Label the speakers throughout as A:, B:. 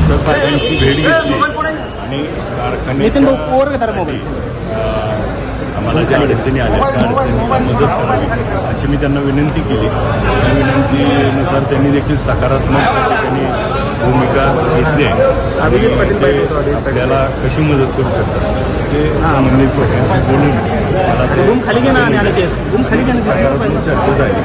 A: Collector साहेबांची भेट घेतली आणि कारखान्यासाठी आम्हाला ज्या अडचणी आल्या त्या अडचणींना मदत करावी अशी मी त्यांना विनंती केली. त्या विनंतीनुसार त्यांनी देखील सकारात्मक त्यांनी भूमिका घेतली आहे. आपल्याला कशी मदत करू शकतात ते संबंधित लोकांशी बोलून मला ते चर्चा झाली.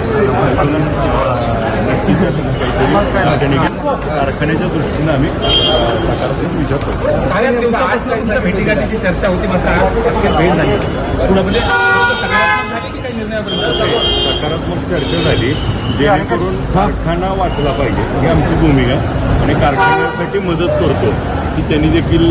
A: नक्कीच काहीतरी कारखान्याच्या दृष्टीनं आम्ही सकारात्मक विचार करतो.
B: काही दिवसापासून तुमच्या भेटीगाठीची चर्चा होती, मात्र आज अखेर भेट झाली. पुढे म्हणजे सकारात्मक झाली की काही निर्णयापर्यंत
A: सकारात्मक चर्चा झाली, जेणेकरून कारखाना वाचला पाहिजे ही आमची भूमिका आणि कारखान्यासाठी मदत करतो की त्यांनी देखील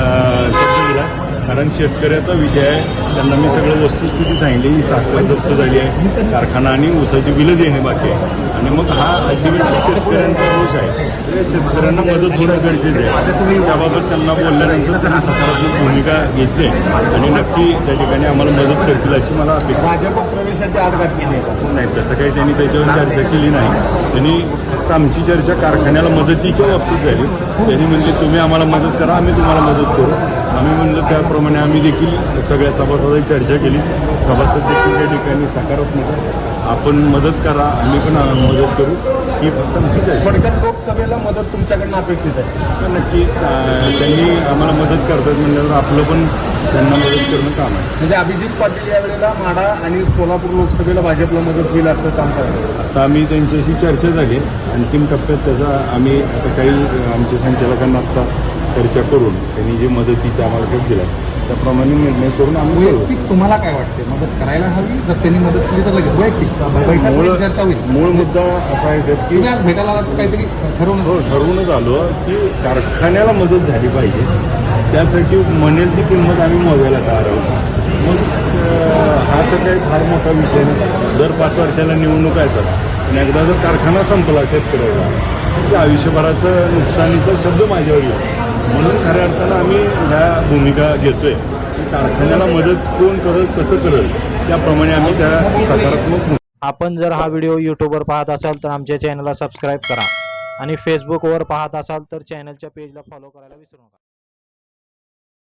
A: शब्द दिला. कारण शेतकऱ्याचा विषय आहे, त्यांना मी सगळं वस्तुस्थिती सांगितली. ही साखर जप्त झाली आहे, कारखाना आणि ऊसाची बिलं देणे बाकी आहे आणि मग हा अल्टिमेटली शेतकऱ्यांचा दोष आहे. तर शेतकऱ्यांना मदत होणं गरजेचं आहे. आता तुम्ही त्याबाबत त्यांना बोलल्यानंतर त्यांनी सकारात्मक भूमिका घेतली आणि नक्की त्या ठिकाणी आम्हाला मदत करतील अशी मला अपेक्षा.
B: भाजप प्रवेशाची आडघाट केली
A: नाही, तसं काही त्यांनी त्याच्यावर चर्चा केली नाही. त्यांनी फक्त आमची चर्चा कारखान्याला मदतीच्या बाबतीत झाली. त्यांनी म्हणले तुम्ही आम्हाला मदत करा, आम्ही तुम्हाला मदत करू. आम्ही म्हणलं त्याप्रमाणे आम्ही देखील सगळ्या सभासदांची चर्चा केली. सभासद देखील त्या ठिकाणी सकारात्मक आपण मदत करा, आम्ही पण मदत करू ही फक्त आमची चर्चा.
B: थोडक्यात लोकसभेला मदत तुमच्याकडनं अपेक्षित आहे.
A: तर नक्की त्यांनी आम्हाला मदत करतात म्हणल्यावर आपलं पण त्यांना मदत करणं काम आहे.
B: म्हणजे अभिजित पाटील यावेळेला माढा आणि सोलापूर लोकसभेला भाजपला मदत होईल असं काम करतात.
A: आता आम्ही त्यांच्याशी चर्चा झाली. अंतिम टप्प्यात त्याचा आम्ही आता काही आमच्या संचालकांना आता चर्चा करून त्यांनी जे मदतीचा आम्हाला भेट दिला त्याप्रमाणे निर्णय करून आम्ही
B: वैयक्तिक तुम्हाला काय वाटते, मदत करायला हवी? जर त्यांनी मदत केली तर लगेच वैयक्तिक बैठक चर्चा होईल.
A: मूळ मुद्दा असा आहे साहेब की
B: तुम्ही आज भेटायला आलात तर काहीतरी
A: ठरवूनच आलो की कारखान्याला मदत झाली पाहिजे. त्यासाठी म्हणेल ती किंमत आम्ही मोजायला तयार आहोत. मग हा तर काही फार मोठा विषय नाही. दर 5 वर्षाला निवडणूक येतात आणि एकदा जर कारखाना संपला शेतकऱ्याचा तर आयुष्यभराचं नुकसानीचा शब्द माझ्यावर येतो. म्हणून खऱ्या अर्थानं आम्ही ह्या भूमिका घेतोय की कारखान्याला मदत कोण करत कसं करत त्याप्रमाणे आम्ही त्या सकारात्मक.
C: आपण जर हा व्हिडिओ यूट्यूबवर पाहत असाल तर आमच्या चॅनलला सबस्क्राईब करा आणि फेसबुकवर पाहत असाल तर चॅनलच्या पेजला फॉलो करायला विसरू नका.